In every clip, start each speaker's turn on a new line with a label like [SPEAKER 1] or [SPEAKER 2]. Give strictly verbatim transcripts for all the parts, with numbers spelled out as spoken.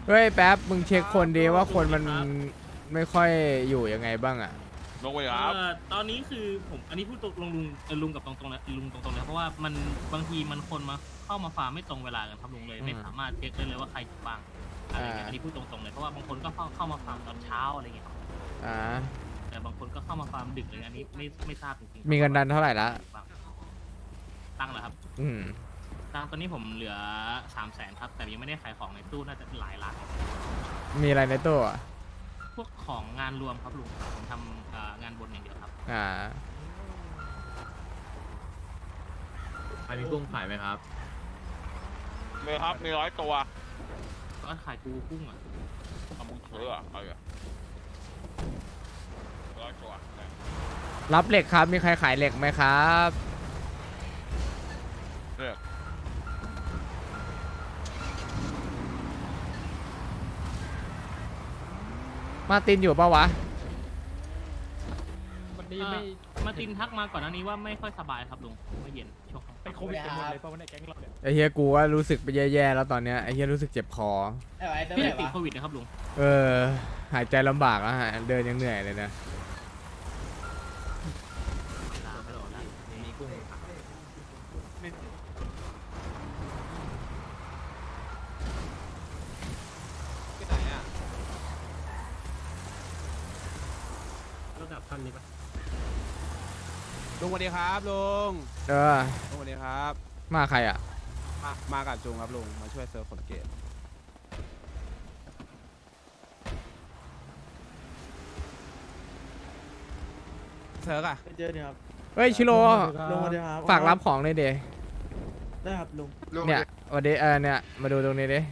[SPEAKER 1] เฮ้ยแป๊บมึงเช็คคนดีว่าคนมันไม่ค่อยอยู่ยังไงบ้างอ่ะ
[SPEAKER 2] ลงไปครับ
[SPEAKER 3] เอ่อตอนนี้คือผมอันนี้พูดตรงลุงลุงเอ่อลุงกับตรงๆนะลุงตรงๆนะเพราะว่ามันบางทีมันคนมาเข้ามาฟาร์มไม่ตรงเวลากันครับลุงเลยไม่สามารถเช็คได้เลยว่าใครอยู่บ้างอะไรเงี้ยอันนี้พูดตรงๆเลยเพราะว่าบางคนก็เข้าเข้ามาฟาร์มตอนเช้าอะไรเงี้ยครับ
[SPEAKER 1] อ่า
[SPEAKER 3] แต่บางคนก็เข้ามาฟาร์มดึกเลยอันนี้ไม่ไม่ทราบจริงๆ
[SPEAKER 1] มีเงินดันเท่าไหร่ละ
[SPEAKER 3] ตั้งเหรอครับ
[SPEAKER 1] อืม
[SPEAKER 3] ตั้งตอนนี้ผมเหลือสามแสนครับแต่ยังไม่ได้ขายของในตู้น่าจะหลายล้าน
[SPEAKER 1] มีอะไรในตู้อ่ะ
[SPEAKER 3] พวกของงานรวมครับลุงผมทำเอ่องานบนอย่างเดียวครับ
[SPEAKER 1] อ่า
[SPEAKER 4] ใครมีกุ้งขายไหมครับ
[SPEAKER 2] มีครับ มีร้อยตัว
[SPEAKER 3] ก็ขายปูกุ้งอ่ะ
[SPEAKER 2] เอามึงเชื่อเอาอย่าร้อยตัว
[SPEAKER 1] รับเหล็กครับมีใครขายเหล็กไหมครับ
[SPEAKER 2] เลือก
[SPEAKER 1] มาร์ตินอยู่ปะวะ
[SPEAKER 5] วันนี้
[SPEAKER 3] เอ่อ
[SPEAKER 5] ไม่
[SPEAKER 3] มาตินทักมาก่อนหน้านี้ว่าไม่ค่อยสบายครับลุงเมื่อเย็นช่วงค่ำ
[SPEAKER 5] เป็นโควิดกันหมดเลยเพราะว่าในแก๊งเราเนี่ย
[SPEAKER 1] ไอเฮียกูว่ารู้สึกไปแย่ๆแล้วตอนเนี้ยไอเฮียรู้สึกเจ็บคอ
[SPEAKER 6] ไอ้ไว้เติม
[SPEAKER 3] ไม่
[SPEAKER 6] ไหน
[SPEAKER 3] ได้ติด
[SPEAKER 6] วะ
[SPEAKER 3] โควิดนะครับลุง
[SPEAKER 1] เออ หายใจลำบากแล้วฮะเดินยังเหนื่อยเลยนะ
[SPEAKER 3] ลาไปรอได้
[SPEAKER 4] มีกุ้งขายที่ไหนอ่ะ
[SPEAKER 5] ระดับพันนี้ปะ
[SPEAKER 7] ลุงสวัสดีครับลุง
[SPEAKER 1] เออ
[SPEAKER 7] ลุงสวัสดีครับ
[SPEAKER 1] มาใครอ่ะ
[SPEAKER 7] มามากับจุงครับลุงมาช่วยเซิร์ฟขนเกตเซิร์ฟอะ
[SPEAKER 6] ไปเจอเนี่ยครับ
[SPEAKER 1] เฮ้ยชิโร่
[SPEAKER 6] ลุงสวัสดีครับ
[SPEAKER 1] ฝากรับของเลยเด
[SPEAKER 6] ได้ครับลุง
[SPEAKER 1] เนี่ยวันเดเออเนี่ยมาดูตรงนี้ดิ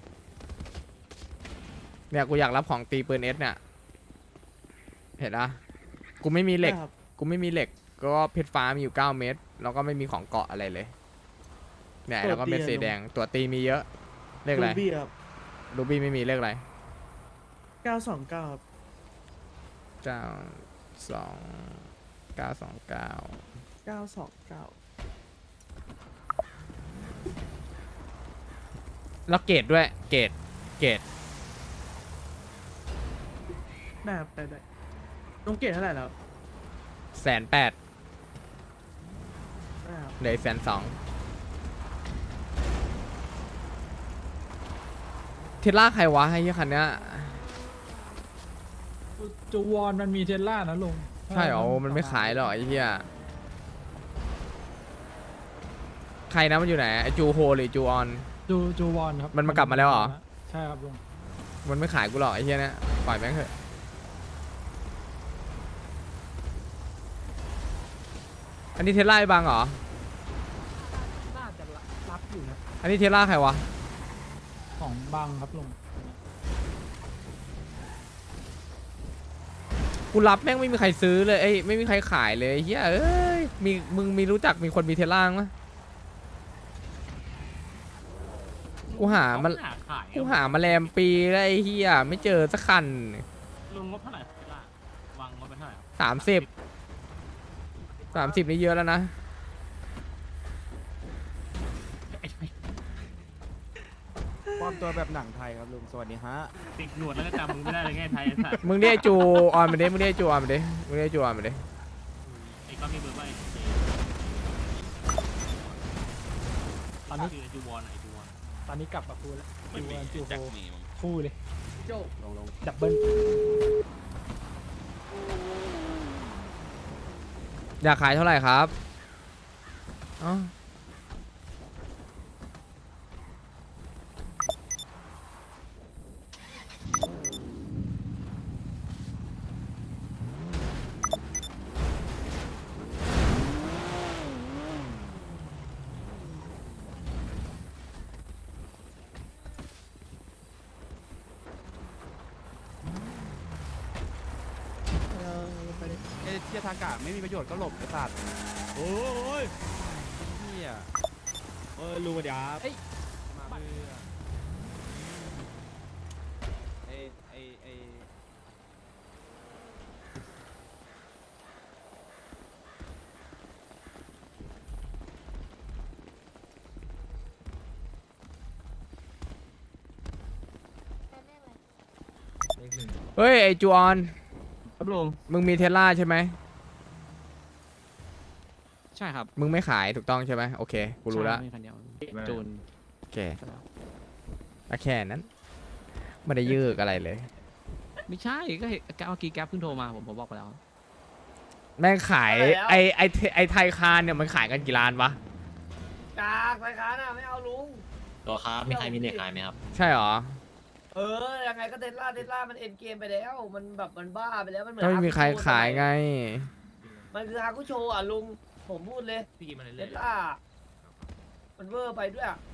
[SPEAKER 1] เนี่ยกูอยากรับของตีปืนเอสเนี่ยเห็นนะกูไม่มีเหล็ก
[SPEAKER 6] ได้ครับ
[SPEAKER 1] กูไม่มีเหล็กก็เพชรฟ้ามีอยู่เก้าเม็ดแล้วก็ไม่มีของเกาะอะไรเลยเนี่ยแล้วก็เม็ดสีแดงตัวตีมีเยอะเลขอะไร
[SPEAKER 6] รูบี้ครับ
[SPEAKER 1] รูบี้ไม่มีเลขอะไร
[SPEAKER 6] เก้าสองเก้าครับ
[SPEAKER 1] เก้าสองเก้าสองเก้า
[SPEAKER 6] เก้าสองเก้า
[SPEAKER 1] แล้วเกรดด้วยเกรดเกรด
[SPEAKER 6] ได้ครับได้ได้ลุงเกตเท่าไหร่แล้ว
[SPEAKER 1] แสนแปด
[SPEAKER 6] ได้ครับ
[SPEAKER 1] เหลือแสนสองเทสล่าใครวะไอ้ยี่คันเนี้ย
[SPEAKER 5] จูวอนมันมีเทสล่านะลุง
[SPEAKER 1] ใช่เหรอมันไม่ขายหรอไอ้เหี้ยใครนะมันอยู่ไหนไอจูโฮหรือจูออน
[SPEAKER 5] จูจูวอนครับ
[SPEAKER 1] มันมากลับมาแล้วเหรอ
[SPEAKER 5] ใช่ครับลุง
[SPEAKER 1] มันไม่ขายกูหรอกไอ้เหี้ยเนี่ยปล่อยแม่งเถอะอันนี้เทสลาไอ้บังเหรอ
[SPEAKER 5] น่าจะรับอยู่นะ
[SPEAKER 1] อันนี้เทสลาใครวะ
[SPEAKER 5] ของบังครับลุง
[SPEAKER 1] กูรับแม่งไม่มีใครซื้อเลยเอ้ยไม่มีใครขายเลยไอ้เหี้ยเอ้ยมีมึงมีรู้จักมีคนมีเทสลามั้ยกูหามัน
[SPEAKER 3] หาขาย
[SPEAKER 1] กูหามาแรมปีแล้วไอ้เหี้ยไม่เจอสักคัน
[SPEAKER 3] ลุงงบเท่าไหร่ครับเวลาวางงบไปเท่าไหร่ครับ
[SPEAKER 1] สามสิบสามสิบนี่เยอะแล้วนะ
[SPEAKER 7] ปลอมตัวแบบหนังไทยครับลุงสวัสดีฮะ
[SPEAKER 3] ติดหนวดแล้วก็จำมึงไม่ได้เลยไงไทยไอ้สัตว์
[SPEAKER 1] มึงเรียกจูออนมาดิมึงเรียกจูออนมาดิมึงเรียกจูออนมาดิ
[SPEAKER 3] ไอ้ก็มีเบอร์ว่าไอ้
[SPEAKER 5] ตอนนี้
[SPEAKER 3] คือไอ้จูวอนไอ้จูวอน
[SPEAKER 5] ตอนนี้กลับมาพูดแล้ว
[SPEAKER 2] ไม่
[SPEAKER 5] จู
[SPEAKER 2] มี
[SPEAKER 5] วอนจูโฮ
[SPEAKER 2] แจ็คมีมึง
[SPEAKER 5] คู่เลย
[SPEAKER 7] ลงลง
[SPEAKER 5] ดับเบิล
[SPEAKER 1] อยากขายเท่าไหร่ครับอ๋อ
[SPEAKER 7] ไอ้เที่ยทางกาไม่มีประโยชน์ก็หลบไอ้สัตว์โอ้ยเที่ยเออลุงสวัสดีครับมาเพื่อไอ้ไอ้ไอ้
[SPEAKER 1] เฮ้ยไอจูออน
[SPEAKER 8] ครับลุง
[SPEAKER 1] มึงมีเทสลาใช่ไหม
[SPEAKER 8] ใช่ครับ
[SPEAKER 1] มึงไม่ขายถูกต้องใช่ไหมโอเคกูรู้แล้ว
[SPEAKER 8] ใช่มีคันเดียวจูน
[SPEAKER 1] โอเคก็แค่นั้นไม่ได้ยืกอะไรเลย
[SPEAKER 8] ไม่ใช่ก็เห็นเมื่อกี้แก๊ปเพิ่งโทรมาผมผมบอกไปแล้ว
[SPEAKER 1] แม่งขายไอไอไอไทยคารเนี่ยมันขายกันกี่ล้านวะ
[SPEAKER 5] กากไปค้าน่ะไม่เอาลุง
[SPEAKER 9] ตัวครับมีใครมีเน็ตขายไหมครับ
[SPEAKER 1] ใช่หรอ
[SPEAKER 5] เออยังไงก็เทสลาเทสลามันเอ็นเกมไปแล้วมันแบบมันบ้าไปแล้วมันเหมือน
[SPEAKER 1] ก็ไม่มีใครขายไง
[SPEAKER 5] มันคือฮาคุโชอ่ะลุงผมพูดเลย
[SPEAKER 4] พี่มัน
[SPEAKER 5] เท
[SPEAKER 4] เล่น
[SPEAKER 5] สลามันเวอร์ไปด้วยอ่ะ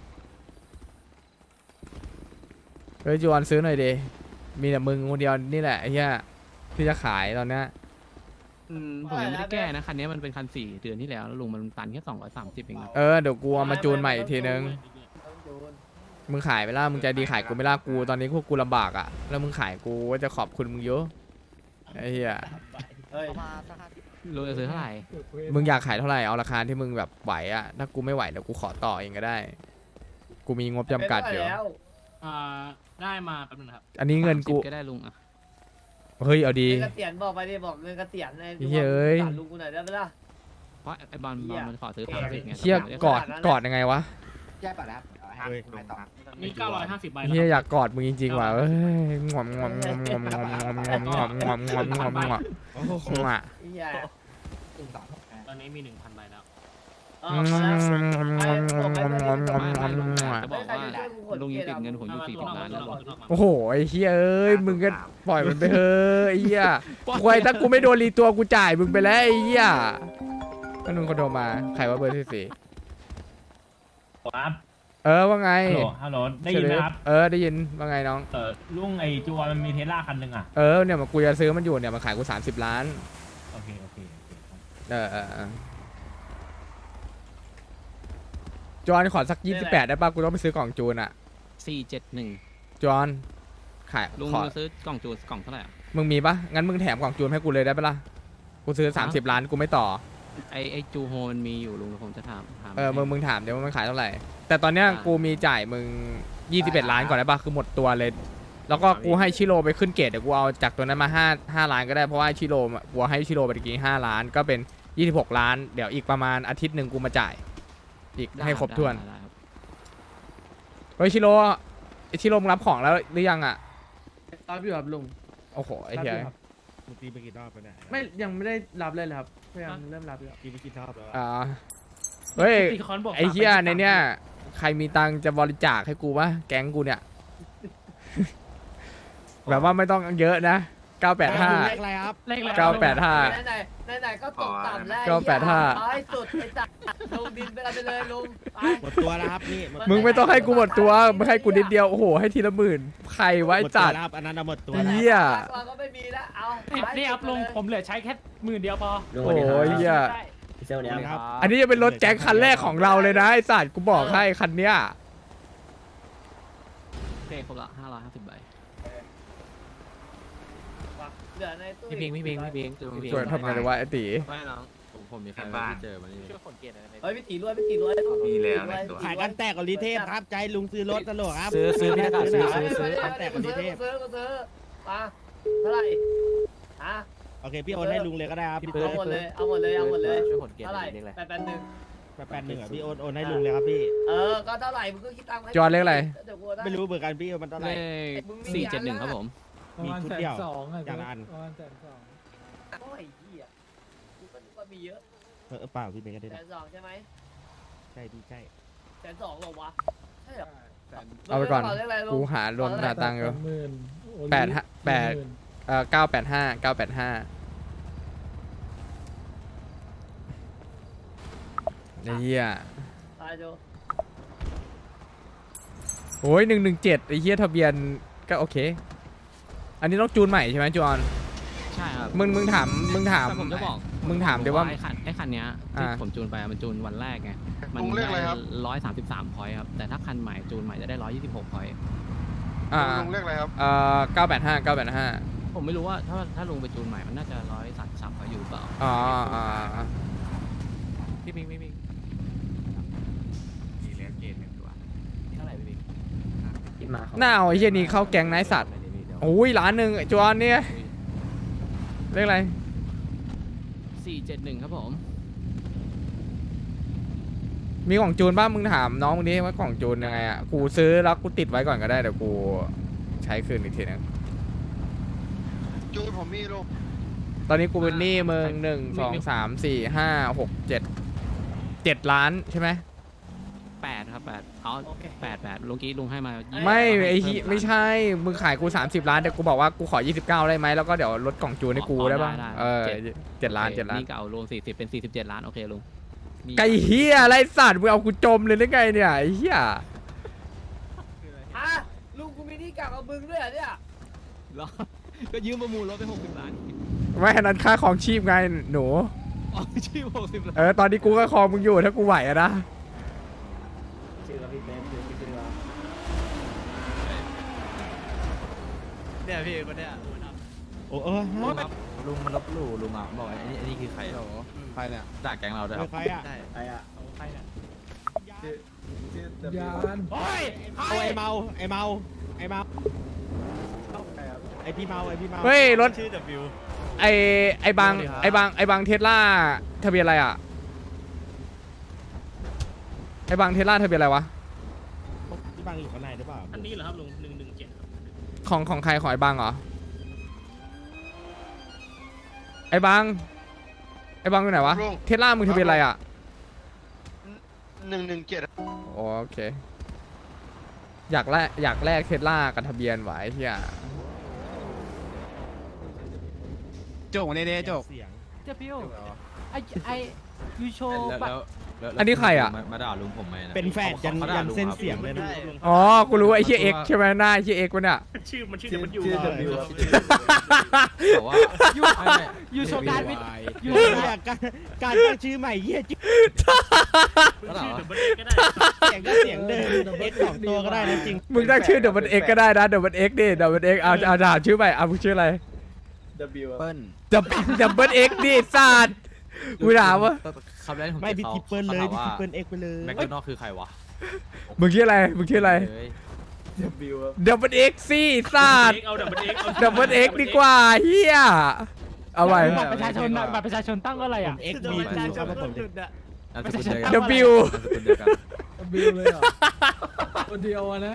[SPEAKER 1] เฮ้ยจูออนซื้อหน่อยดิมีแต่มึงคนเดียวนี่แหละไอ้เหี้ยที่จะขายตอนเนี้ย
[SPEAKER 8] อืมผมยังไม่ได้แก้นะคันนี้มันเป็นคันสี่เดือนที่แล้วแล้วลุงมันตันแค่สองร้อยสามสิบเองนะ
[SPEAKER 1] เออเดี๋ยวกูเอามาจูนใหม่อีกทีนึง
[SPEAKER 5] ต้องโดน
[SPEAKER 1] มึงขายไปล่ะมึงใจดีขายกูไม่ล่ะกูตอนนี้พวกกูลำบากอ่ะแล้วมึงขายกูว่าจะขอบคุณมึงเยอะไอ้เหี้ย
[SPEAKER 5] เฮ้ย
[SPEAKER 8] ลุงจะซื้อเท่าไหร่
[SPEAKER 1] มึงอยากขายเท่าไหร่เอาราคาที่มึงแบบไหวอ่ะถ้ากูไม่ไหวเดี๋ยวกูขอต่อเองก็ได้ กูมีงบจำกัดอยู่
[SPEAKER 5] เป็นไปแล้ว
[SPEAKER 3] อ่าได้มาแป๊บนึงนะครับ
[SPEAKER 1] อันนี้เงินกู
[SPEAKER 8] สามสิบก็ได้ลุงอ่ะ
[SPEAKER 1] เฮ้ยเอาดี
[SPEAKER 5] เงินเกษียณบอกไปดิบอกเงินเกษียณใน
[SPEAKER 1] เฮ้ยเอ้ย
[SPEAKER 5] สารลุงกูหน่อยได้ไหมล่ะ
[SPEAKER 8] เพราะไอ้บอลบอลมันขอซื้อสามสิบไง
[SPEAKER 1] เชี่ย
[SPEAKER 8] ผมไม่ได้
[SPEAKER 1] กอดกอดยังไงวะ
[SPEAKER 4] แย่ป่ะแล้วเฮ้ยต่อ
[SPEAKER 3] มีเก้าร้อยห้าสิบใบแล้ว
[SPEAKER 1] เฮีย
[SPEAKER 3] ค
[SPEAKER 1] อ
[SPEAKER 3] รับ
[SPEAKER 1] ยากกอดมึงจริงๆว่ะเอ้ยงอมงอมงอมงอมงอมงอมงอมงอมงอมงอมงอมงอมงอมงอมอ่ะ
[SPEAKER 5] ไอ้เหี้ย
[SPEAKER 3] ตอนนี้มีหนึ่งพันใบแล้ว
[SPEAKER 5] เอ
[SPEAKER 1] อื
[SPEAKER 5] อ
[SPEAKER 1] ม
[SPEAKER 5] พอแล้ว
[SPEAKER 1] งอมงอมงอมงอมงอมงอมงอม
[SPEAKER 8] ไม่
[SPEAKER 1] งอ
[SPEAKER 8] ไม่
[SPEAKER 1] ม
[SPEAKER 8] ลุง
[SPEAKER 1] งอม
[SPEAKER 8] จะบอกว่าลุงยังติดเงินผมอยู่สี่สิบล้านแล้วลุง
[SPEAKER 1] โอ้โหไอ้เฮียเอ้ยมึงก็ปล่อยมันไปเถอะไอ้เฮียควยถ้ากูไม่โดนรีตัวกูจ่ายมึงไปแล้วไอ้เฮียก็นุ่งคนโทรมาใครว่าเบอร์ที่สี่
[SPEAKER 10] ครับ
[SPEAKER 1] เออว่าไง
[SPEAKER 10] ฮัลโหลฮัลโหลได้ยินไหมครับ
[SPEAKER 1] เออได้ยินว่าไงน้อง
[SPEAKER 10] เออลุงไอจูวอนมันมีเทสลาคันหนึ่งอ่ะ
[SPEAKER 1] เออเนี่ยมันกูจะซื้อมันอยู่เนี่ยมันขายกูสามสิบล้าน
[SPEAKER 10] โอเค โอเค โอเคครับ
[SPEAKER 1] เออเออเออจอห์นขอสักยี่สิบแปดได้ป่ะกูต้องไปซื้อกล่องจูนอะ
[SPEAKER 8] สี่เจ็ดหนึ่ง
[SPEAKER 1] จอห์นขาย
[SPEAKER 8] ลุง
[SPEAKER 1] ขอ
[SPEAKER 8] จะซื้อกล่องจูนกล่องเท่าไหร่อะ
[SPEAKER 1] มึงมีปะงั้นมึงแถมกล่องจูนให้กูเลยได้ปะล่ะกูซื้อสามสิบล้านกูไม่ต่อ
[SPEAKER 8] ไอไอจูโฮมันมีอยู่ลุงผมจะถามถาม
[SPEAKER 1] เออมึงมึงถามเดี๋ยวว่ามันขายเท่าไหร่แต่ตอนเนี้ยกูมีจ่ายมึงยี่สิบเอ็ดล้านก่อนได้ปะคือหมดตัวเลย แล้วก็กูให้ชิโร่ไปขึ้นเกรดเดี๋ยวกูเอาจากตัวนั้นมาห้าห้าล้านก็ได้เพราะว่าชิโร่กูให้ชิโร่ไปตะกี้ห้าล้านก็เป็นยี่สิบหกล้านเดี๋ยวอีกประมาณอาทิตย์หนึ่งกูมาจ่ายอีก
[SPEAKER 8] ได้
[SPEAKER 1] ให้ครบถ้วน
[SPEAKER 8] ได้ได้ครับ
[SPEAKER 1] เฮ้ยชิโร่ไอชิโร่มึงรับของแล้วหรือยังอ่ะ
[SPEAKER 6] รับอยู่ครับลุง
[SPEAKER 1] โอ้โหไอ้
[SPEAKER 6] รับ
[SPEAKER 1] เหี้
[SPEAKER 6] อย ยู่ครับ
[SPEAKER 7] มึงตีไปกี่รอบไปเนี่ย
[SPEAKER 6] ไม่ยังไม่ได้รับเลยเลยครับพยายามเริ่มรับแล้ว
[SPEAKER 7] ตีไปกี่รอบแล้ว
[SPEAKER 1] อ่าเฮ้ย
[SPEAKER 3] ตีคอนบอก
[SPEAKER 1] ไอ้เหี้ยในเนี้ยใครมีตังค์จะบริจาคให้กูปะแก๊งกูเนี่ย แบบว่าไม่ต้องเยอะนะเก้าแปดห้า
[SPEAKER 7] เลขอะไรครับ
[SPEAKER 3] เลขอะไร
[SPEAKER 1] เก้าแปดห้า
[SPEAKER 5] ไหนไหนไหนๆก็ตกต่ำแล้ว
[SPEAKER 1] เก้าแปดห้า
[SPEAKER 5] ไอ้สุดไอ้จัดลงดินไปกันไปเลยลุงไป
[SPEAKER 7] หมดตัวแล้วครับนี่หมด
[SPEAKER 1] มึงไม่ต้องให้กูหมดตัวมึงให้กูนิดเดียวโอ้โหให้ทีละหมื่นใครไว้
[SPEAKER 7] หมดตัว
[SPEAKER 1] จัด
[SPEAKER 7] แล้วครับอันนั้นเอาหมดตัวแล้ว
[SPEAKER 1] เหี้ย
[SPEAKER 5] เราก็ไม่มีแล้วเอา
[SPEAKER 3] นี่ครับลุงผมเหลือใช้แค่หมื่นเดียวพอ
[SPEAKER 1] โอ้ยเหี้ย
[SPEAKER 5] ใช่
[SPEAKER 9] พี่เซลเนี่ย
[SPEAKER 7] ครับ
[SPEAKER 1] อันนี้จะเป็นรถแจ็คคันแรกของเราเลยนะไอ้สัตว์กูบอกให้คันเนี้ย
[SPEAKER 8] โอเคครบละห้าร้อยห้าสิบใบ
[SPEAKER 5] เหลือในตู้
[SPEAKER 8] พี่พิงพี่พิงพี่พิงพี่พิง
[SPEAKER 1] ช่วยทำไงดีวะไอ้ตี
[SPEAKER 8] ไม่น้องผมผมมีใครไม่เจอมานี่
[SPEAKER 9] ช่วยขนเกียร์หน่อย
[SPEAKER 5] เฮ้ยพี่ตีรวยพี่ตีรวย
[SPEAKER 9] มีแล้วในตัว
[SPEAKER 7] ขายกันแตกกับลีเทพครับใจลุงซื้อรถตลกครับ
[SPEAKER 8] ซื้อซื้อพี่นะครับซื้อ
[SPEAKER 5] ซื้
[SPEAKER 8] ซื้
[SPEAKER 5] อ
[SPEAKER 8] อ
[SPEAKER 5] ซื้
[SPEAKER 8] ซื้
[SPEAKER 5] อ
[SPEAKER 8] อ
[SPEAKER 7] แต่คนที่เทพ
[SPEAKER 5] ซื้อซื้อมาเท่าไหร่ฮะ
[SPEAKER 7] โอเคพี่โอนให้ลุงเลยก็ได้ครับพี่
[SPEAKER 5] เอาหมดเลยเอาหมดเลยเอาหมดเลย
[SPEAKER 9] ช่วยขนเกียร์
[SPEAKER 5] เท่าไหร่
[SPEAKER 9] เล็กเลย
[SPEAKER 5] แปดแปดหนึ่ง
[SPEAKER 7] แปดแปดหนึ่งอ่ะพี่โอนโอนให้ลุงเลยครับพี่
[SPEAKER 5] เออก็เท่าไหร่มึงก็คิดตังค์ให้
[SPEAKER 1] จอห์นเลขอะไร
[SPEAKER 5] เดี๋ยวกูได้
[SPEAKER 7] ไม่รู้เหมือนกันพี่มันเท่าไห
[SPEAKER 8] เล
[SPEAKER 7] ร่
[SPEAKER 8] ขสี่เจ็ดหนึ่งครับผม
[SPEAKER 7] มีชุดเดียวอย่างละอัน
[SPEAKER 6] ประมาณแสนสอง
[SPEAKER 5] โอ้ยเหี้ยกูก็นึกว่ามีเยอะ
[SPEAKER 7] เออเปล่าพี่เมย์ก็ได้
[SPEAKER 5] แส
[SPEAKER 7] นะ
[SPEAKER 5] นสองใช่ไหม
[SPEAKER 7] ใช่พี่ใช่
[SPEAKER 5] แสนสองเหรอวะใช่เหรอ
[SPEAKER 1] เอาไปก่อน
[SPEAKER 5] เรียกอะไรลุง
[SPEAKER 1] กูหารวมหาตังค์อยู่
[SPEAKER 6] หมื่น
[SPEAKER 1] แปดห้าแปด เอ่อเก้าแปดห้าเก้าแปดห้าไอ้เหี้ย
[SPEAKER 5] ตายโจ
[SPEAKER 1] โอ้ยหนึ่งหนึ่งเจ็ดไอ้เหี้ยทะเบียนก็โอเค อันนี้ต้องจูนใหม่ใช่ไหมจอห์น
[SPEAKER 8] ใช่ครับ
[SPEAKER 1] มึงมึงถามมึงถาม
[SPEAKER 8] แต่ผมจะบอก
[SPEAKER 1] มึงถามดิว่า
[SPEAKER 8] ไอ้คันไอ้คันเนี้ยที่
[SPEAKER 1] อ่า
[SPEAKER 8] ผมจูนไปอะมันจูนวันแรกไงมันได้ร้อยสามสิบสามพอยต์ครับแต่ถ้าคันใหม่จูนใหม่จะได้ร้อยยี่สิบหกพอยต์
[SPEAKER 1] อ่าลุงเรียกอะไรครับเอ่อเก้าแปดห้าเก้าแปดห้า
[SPEAKER 8] ผมไม่รู้ว่าถ้าถ้าลุงไปจูนใหม่มันน่าจะร้อยสามสิบสามพอยต์อยู่หรือเปล่า
[SPEAKER 1] อ๋ออ่า
[SPEAKER 8] พี่พิงพี่พิง
[SPEAKER 9] มีแล้วเกณฑ์หนึ่งตัว
[SPEAKER 8] เท่าไหร่พี่พิง
[SPEAKER 9] คิดมา
[SPEAKER 1] หน้าเอาไอ้เหี้ยนี้เข้าแก๊งนายสัตว์
[SPEAKER 9] เดี๋ยว
[SPEAKER 1] โอ้ยล้านหนึ่งไอ้จวนเนี่ยเลขอะไร
[SPEAKER 8] สี่เจ็ดหนึ่งครับผม
[SPEAKER 1] มีกล่องจูนบ้างมึงถามน้องมึงดิว่ากล่องจูนยังไงอ่ะกูซื้อแล้วกูติดไว้ก่อนก็ได้เดี๋ยวกูใช้คืนอีกทีนึง
[SPEAKER 7] จูนผมมีลูก
[SPEAKER 1] ตอนนี้กูเป็นหนี้มึงหนึ่งสองสามสี่ห้าหกเจ็ดเจ็ดล้านใช่ไหม
[SPEAKER 8] แปดครับแปดเอาแปดแปดลุงกี้ลุงให้มายี่สิบ
[SPEAKER 1] ไม่ไอ้
[SPEAKER 8] เพิ่
[SPEAKER 1] ที่
[SPEAKER 8] ล้าน
[SPEAKER 1] ไม่ใช่มึงขายกูสามสิบล้านแต่กูบอกว่ากูขอยี่สิบเก้าได้ไหมแล้วก็เดี๋ยวลดกล่องจูนให้กู
[SPEAKER 8] อ๋อ
[SPEAKER 1] ได้ป่ะ
[SPEAKER 8] ได้ได้
[SPEAKER 1] เออ
[SPEAKER 8] เจ็ด
[SPEAKER 1] เจ็ดล้านเจ็ดล้าน
[SPEAKER 8] นี่ก็เอารวมสี่สิบเป็นสี่สิบเจ็ดล้านโอเคลุงมี
[SPEAKER 1] ไก่เฮียอะไรสัตว์มึงเอากูจมเลยได้ไงเนี่ยไอ้เฮีย
[SPEAKER 5] ฮะลุงกูมีหนี่กลับกับมึงด้วยเหรอเนี่ย
[SPEAKER 8] เหรอก็ยืมประมูลรถไปหกสิบล้าน
[SPEAKER 1] ไม่อันนั้นค่าของชีพไงหนู
[SPEAKER 8] อ๋อชื่อหกสิบล้าน
[SPEAKER 1] เออตอนนี้กูก็คองมึงอยู่ถ้ากูไหวอะนะ
[SPEAKER 4] ชื่อว่าพี่เบนซ์ชื่อพี่เบนซ์ว่า
[SPEAKER 7] เนี่ยพี่คนเนี้ย
[SPEAKER 10] โอ้เออ
[SPEAKER 7] ลุงมันลบหลู่ลุงอ่ะบอกไอ้นี่ไอ้นี่คือใครใครเนี่ยด่าแก๊งเราด้วยครับใครอ่ะ
[SPEAKER 4] ไอ้อะ
[SPEAKER 7] ใครเนี่ย
[SPEAKER 6] ยาน
[SPEAKER 10] โอ้ยเอาไอ้เมาไอ้เมาไอ้เมาไอ้พี่เมาไอ้พี่เมา
[SPEAKER 1] เฮ้ยรถ
[SPEAKER 10] ชื่อ W
[SPEAKER 1] ไอไอบางไอบางไอบางเทสลาทะเบียนอะไรอ่ะไอบางเทสลาทะเบียนอะไรวะ
[SPEAKER 10] ที่บางอยู่ข้างในหรือเปล่า
[SPEAKER 3] อันนี้เหรอครับลุงหนึ่งหนึ่งเจ็ดครับ
[SPEAKER 1] ของของใครของไอบางเหรอไอบางไอบางอยู่ไหนวะเทสลามึงทะเบียนอะไรอ่ะ
[SPEAKER 7] หนึ่งหนึ่งเจ็ด
[SPEAKER 1] โอเคอยากแลกอยากแลกเทสลากับทะเบียนไว้เฮีย
[SPEAKER 7] โจกเน่ๆโจก
[SPEAKER 10] เสียง
[SPEAKER 6] เจ้าพิวไอไอยูโช
[SPEAKER 7] แล้วแล้ว
[SPEAKER 1] อันนี้ใครอ่ะ
[SPEAKER 7] มาด่าลุงผมไหมนะ
[SPEAKER 10] เป็นแฟนยันยันเส้นเสียงเลยนะ
[SPEAKER 1] อ๋อกูรู้ไอ้เฮียเอ็กใช่ไหมหน้าไอ้เฮียเอ็กวะเนี่ย
[SPEAKER 3] ชื่อมันชื่อมันอยู่
[SPEAKER 4] ชื่อ W
[SPEAKER 7] บอกว่า
[SPEAKER 6] ยูโชการวิท
[SPEAKER 10] ยูเนี่ยการการตั้งชื่อใหม่เยี่ยชื่อ
[SPEAKER 3] ชื่อเดอะเบิร์ดก็ได้
[SPEAKER 10] เสียงก็เสียงเดิมเอ็กสองตัวก็ได้นะจริง
[SPEAKER 1] มึงตั้งชื่อเดอะมันเอ็กก็ได้นะเดอะมันเอ็กดิเดอะมันเอ็กเอาเอาถามชื่อใหม่เอามึงชื่ออะไร
[SPEAKER 4] W
[SPEAKER 7] เปิ้ล
[SPEAKER 1] ดับดับเบิลเอ็กดิสัตว์กูถามว่า
[SPEAKER 7] คำแรกที่ผม
[SPEAKER 10] ไม่พี่ทิปเปิลเลยพี่ทิปเปิลเอ็กไปเลย
[SPEAKER 7] แม็กโดนัลคือใครวะ
[SPEAKER 1] มึงชื่ออะไรมึงชื่ออะไร
[SPEAKER 4] W
[SPEAKER 1] ดับเบิลเอ็กซี่สัตว์
[SPEAKER 3] เอาดับเบิลเอ็ก
[SPEAKER 1] ดับเบิลเอ็กดีกว่าเฮียเอาไว้
[SPEAKER 6] บัตรประชาชนน่ะบัตรประชาชนตั้งว่าอะไร
[SPEAKER 10] ผ
[SPEAKER 6] อ่ะ
[SPEAKER 10] มเอ็กบีทูครับผม
[SPEAKER 7] นามสกุลเดียวกัน
[SPEAKER 1] ดับบิว
[SPEAKER 7] นามสกุลเดียวกัน
[SPEAKER 6] บิวเลยเหรอคนเดียวอะนะ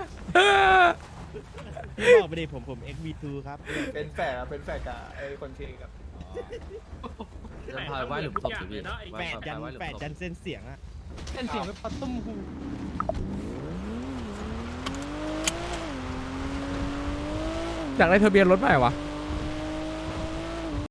[SPEAKER 10] พี่บอกไปดิผมผมเอ็กบีทูครับ
[SPEAKER 4] เป็นแฝดอะเป็นแฝดกับไอ้คนเทกับ
[SPEAKER 7] จะพาไปไหว้หลุมศพสิพี่
[SPEAKER 10] แปดยันแปดยันเส้นเสียงอะ
[SPEAKER 6] เป็นเสียงเป็นปัตตุ้มหู
[SPEAKER 1] อยากได้ทะเบียนรถใหม่วะ